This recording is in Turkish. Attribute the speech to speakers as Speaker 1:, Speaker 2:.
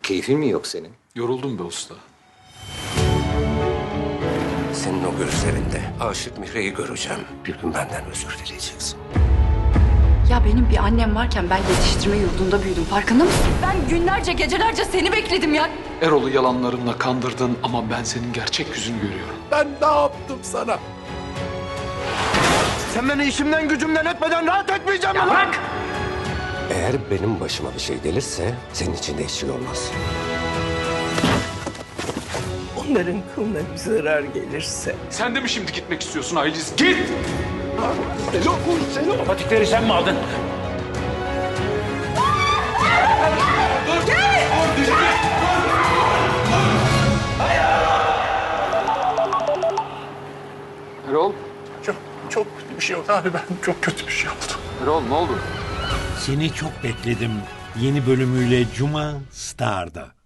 Speaker 1: Keyfin mi yok senin?
Speaker 2: Yoruldum be usta.
Speaker 3: Senin o gözlerinde aşık Mihri'yi göreceğim. Bir gün benden özür dileyeceksin.
Speaker 4: Ya benim bir annem varken ben yetiştirme yurdunda büyüdüm. Farkında mısın? Ben günlerce, gecelerce seni bekledim ya.
Speaker 2: Erol'u yalanlarınla kandırdın ama ben senin gerçek yüzünü görüyorum.
Speaker 3: Ben ne yaptım sana?
Speaker 5: Sen beni işimden gücümden etmeden rahat etmeyeceğim mi lan?
Speaker 3: Eğer benim başıma bir şey gelirse senin için de hiç şey olmaz.
Speaker 6: Onların kılına bir zarar gelirse
Speaker 2: Sen de mi şimdi gitmek istiyorsun Ayliz? Git!
Speaker 5: Patikleri sen mi aldın?
Speaker 2: Erol,
Speaker 5: Çok kötü bir şey oldu abi, ben çok kötü bir şey oldu.
Speaker 2: Erol ne oldu?
Speaker 7: Seni çok bekledim. Yeni bölümüyle Cuma Star'da.